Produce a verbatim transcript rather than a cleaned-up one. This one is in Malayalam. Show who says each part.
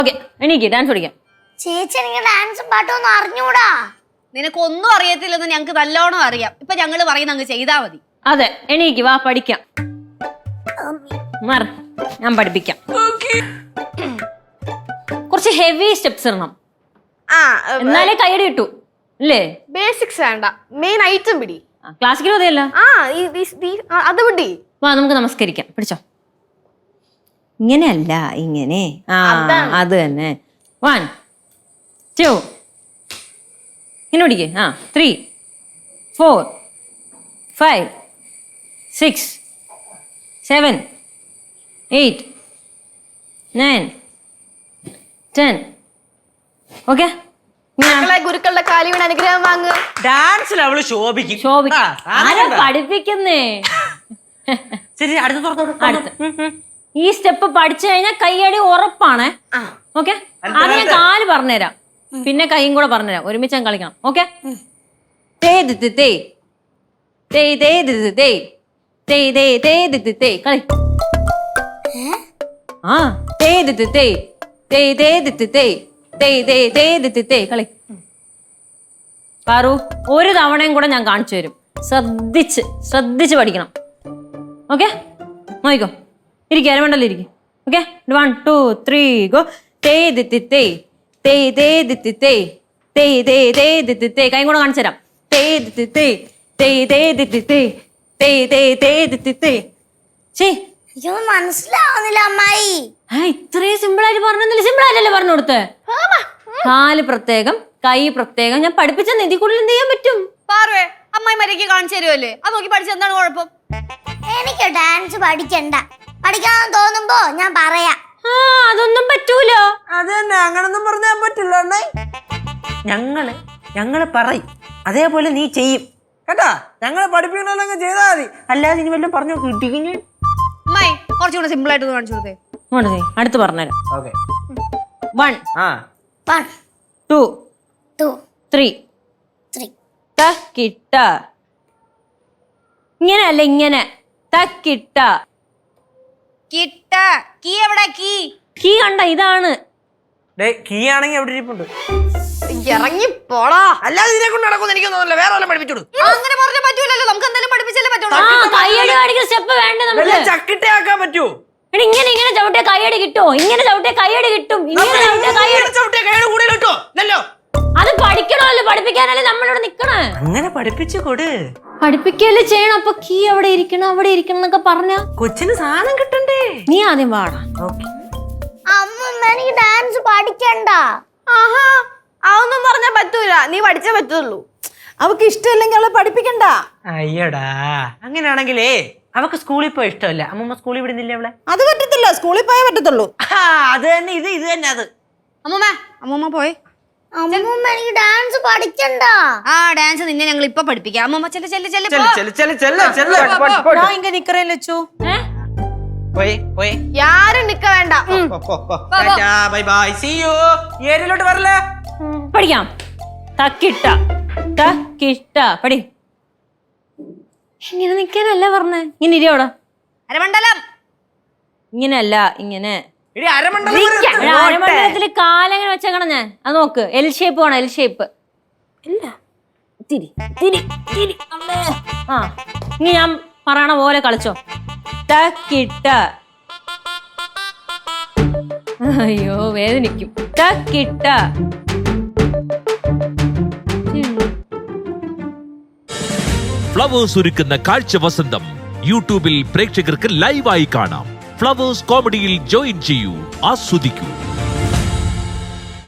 Speaker 1: ഓക്കെ എനിക്ക് ഡാൻസ് പഠിക്കാം.
Speaker 2: ചേച്ചി എനിക്ക് ഡാൻസും പാട്ടും ഒന്നും അറിഞ്ഞൂടാ.
Speaker 3: നിനക്കൊന്നും അറിയത്തില്ലെന്ന് ഞങ്ങക്ക് നല്ലോണം അറിയാം. ഇപ്പൊ ഞങ്ങള് പറയുന്ന അങ്ങ് ചെയ്താ മതി.
Speaker 1: അതെ എനിക്ക് വാ പഠിക്കാം. മാറ് ഞാൻ പഠിപ്പിക്കാം. കുറച്ച് ഹെവി സ്റ്റെപ്സ് ഇടണം, എന്നാലേ കൈയടി കിട്ടൂ അല്ലേ?
Speaker 4: ബേസിക്സ് വേണ്ട, മെയിൻ ഐറ്റം പിടി.
Speaker 1: ക്ലാസിക്കൽ മതിയല്ല?
Speaker 4: ആ അത് പിടി.
Speaker 1: വാ നമുക്ക് നമസ്കരിക്കാം. പിടിച്ചോ. ഇങ്ങനെയല്ല ഇങ്ങനെ. ആ അത് തന്നെ. വൺ ടു ഇങ്ങനെ പിടിക്കേ. ആ three four five six seven eight nine ten. Okay
Speaker 4: ഗുരുക്കളുടെ കാലി വീണ് അനുഗ്രഹം വാങ്ങുക.
Speaker 5: ഡാൻസിൽ അവള് ശോഭിക്കും.
Speaker 1: ശോഭിക്കും. ആരാ പഠിപ്പിക്കുന്നേ?
Speaker 5: ശരി, അടുത്ത
Speaker 1: ഈ സ്റ്റെപ്പ് പഠിച്ചു കഴിഞ്ഞാൽ കൈയടി ഉറപ്പാണ്. ഓക്കെ, അത് ഞാൻ കാല് പറഞ്ഞുതരാം, പിന്നെ കൈയും കൂടെ പറഞ്ഞുതരാം. ഒരുമിച്ച് ഞാൻ കളിക്കണം. ഓക്കെ, കളി. ആ കളി. പാറു, ഒരു തവണയും കൂടെ ഞാൻ കാണിച്ചു തരും. ശ്രദ്ധിച്ച് ശ്രദ്ധിച്ച് പഠിക്കണം. ഓക്കെ, നോക്കിക്കോ. ഇരിക്കും, അരമണ്ടല്ലോ ഇരിക്കും. Okay, one two three go. കൈ കൂടെ കാണിച്ചു തരാം.
Speaker 2: മനസ്സിലാവുന്നില്ല അമ്മായി.
Speaker 1: ഇത്രയും സിമ്പിൾ ആയിട്ട് പറഞ്ഞില്ല. സിമ്പിൾ ആയിട്ടല്ലേ പറഞ്ഞു കൊടുത്തേ? കാല് പ്രത്യേകം, കൈ പ്രത്യേകം. ഞാൻ പഠിപ്പിച്ച നിധി കൂടുതൽ എന്ത് ചെയ്യാൻ പറ്റും?
Speaker 3: പാർവേ, അമ്മായി മരയ്ക്ക് കാണിച്ചു തരുമല്ലേ? അത് നോക്കി പഠിച്ച എന്താണ് കുഴപ്പം?
Speaker 2: എനിക്ക് ഡാൻസ് പഠിക്കണ്ട. പഠിക്കാൻ തോന്നുമ്പോ ഞാൻ പറയാം.
Speaker 1: ആ അതൊന്നും പറ്റൂല.
Speaker 5: അത് തന്നെ, അങ്ങനൊന്നും പറഞ്ഞാൻ പറ്റില്ല. ഞങ്ങള് ഞങ്ങള് പറയും, അതേപോലെ നീ ചെയ്യും കേട്ടാ. ഞങ്ങളെ പഠിപ്പിക്കണല്ലോ ചെയ്താൽ മതി, അല്ലാതെ ഇനി വല്ലതും പറഞ്ഞു കിട്ടിക്കഴിഞ്ഞു.
Speaker 3: അമ്മായി കുറച്ചുകൂടെ സിമ്പിൾ ആയിട്ട് കാണിച്ചു കൊടുത്തേ.
Speaker 1: അടുത്ത് പറഞ്ഞുതരാം.
Speaker 5: Okay,
Speaker 1: one
Speaker 2: one
Speaker 1: two
Speaker 2: two
Speaker 1: three
Speaker 2: three.
Speaker 1: തക്കിട്ട. ഇങ്ങനെയല്ല, ഇങ്ങനെ തക്കിട്ട.
Speaker 3: കിട്ട കീ എവിടെ? കീ
Speaker 1: കീ കണ്ട, ഇതാണ്.
Speaker 5: കീ ആണെങ്കിൽ എവിടെ ഇരിപ്പുണ്ട്.
Speaker 4: ഇറങ്ങി പോടാ.
Speaker 5: അല്ലാതെ ഇതിനെ കൊണ്ട് നടക്കുമെന്ന് എനിക്ക് തോന്നുന്നില്ല. വേറെ വല്ലതും പഠിപ്പിച്ചോളൂ.
Speaker 3: അങ്ങനെ പറഞ്ഞാൽ പറ്റൂലല്ലോ. നമുക്ക് എന്തായാലും പഠിപ്പിച്ചാലേ പറ്റുള്ളൂ.
Speaker 1: കൈയടി കാണിക്കുന്ന സ്റ്റെപ്പ് വേണ്ട നമുക്ക്.
Speaker 5: ചക്കിട്ടയാക്കാൻ പറ്റൂ.
Speaker 1: ഇങ്ങനെ ഇങ്ങനെ ചവിട്ടിയ കൈയടി കിട്ടോ? ഇങ്ങനെ ചവിട്ടിയ കൈയടി കിട്ടും. ഇങ്ങനെ ചവിട്ടിയ കൈയടി. അത് പഠിക്കണമല്ലോ, പഠിപ്പിക്കാനല്ലേ നമ്മളിവിടെ നിക്കണേ.
Speaker 5: അങ്ങനെ പഠിപ്പിച്ചു കൊടു.
Speaker 1: പഠിപ്പിക്കല്ലേ ചെയ്യണം. അപ്പൊ കീ അവിടെ ഇരിക്കണം, അവിടെ ഇരിക്കണം എന്നൊക്കെ പറഞ്ഞ
Speaker 5: കൊച്ചിന് സാധനം കിട്ടണ്ടേ?
Speaker 1: നീ ആദ്യം പാടാ.
Speaker 2: അമ്മ എനിക്ക് ഡാൻസ് പഠിക്കണ്ട.
Speaker 4: ആഹാ, അതൊന്നും പറഞ്ഞാ പറ്റൂല. നീ പഠിച്ചേ പറ്റുള്ളൂ. അവക്ക് ഇഷ്ടമില്ലെങ്കിൽ അവളെ പഠിപ്പിക്കണ്ട.
Speaker 5: അയ്യടാ, അങ്ങനെയാണെങ്കിലേ അവക്ക് സ്കൂളിൽ പോയി ഇഷ്ടമല്ല. അമ്മമ്മ സ്കൂളിൽ വിടുന്നില്ല അവളെ?
Speaker 4: അത് പറ്റത്തില്ല, സ്കൂളിൽ പോയേ പറ്റത്തുള്ളൂ.
Speaker 5: അത് തന്നെ, ഇത് ഇത് തന്നെ അത്.
Speaker 3: അമ്മൂമ്മ അമ്മൂമ്മ പോയി.
Speaker 2: അമ്മൂമ്മ എനിക്ക് ഡാൻസ് പഠിക്കണ്ട.
Speaker 3: ആ ഡാൻസ് നിന്നെ ഞങ്ങൾ ഇപ്പൊ പഠിപ്പിക്കാം. അമ്മൂമ്മ ചെല്ല ചെല്ല ചെല്ല
Speaker 4: ഞാൻ ഇങ്ങ നിക്കറേ ലച്ചു.
Speaker 5: പോയി പോയി.
Speaker 4: യാരും നിക്ക വേണ്ട.
Speaker 5: Bye bye, see you. ഏരിയയിലോട്ട് വരല്ലേ?
Speaker 1: പഠിക്കാം. തക്കിട്ട തക്കിട്ട പടി. ഇങ്ങനെ നിക്കാനല്ല പറഞ്ഞേ. ഇങ്ങനെ ഇരിയോടാ.
Speaker 3: അരമണ്ഡലം
Speaker 1: ഇങ്ങനെയല്ല, ഇങ്ങനെ.
Speaker 5: അരമണ്ഡലത്തില്
Speaker 1: കാലെങ്ങനെ വെച്ചേക്കണം ഞാൻ. അത് നോക്ക്, എൽ ഷേപ്പ് വേണം. L shape. ഇല്ല, തിരി തിരി തിരി. ആ ഇനി ഞാൻ പറയണ പോലെ കളിച്ചോ. തക്കിട്ട. അയ്യോ വേദനിക്കും. തക്കിട്ട.
Speaker 6: ഫ്ലവേഴ്സ് ഒരുക്കുന്ന കാഴ്ച വസന്തം യൂട്യൂബിൽ പ്രേക്ഷകർക്ക് ലൈവായി കാണാം. ഫ്ലവേഴ്സ് കോമഡിയിൽ ജോയിൻ ചെയ്യൂ, ആസ്വദിക്കൂ.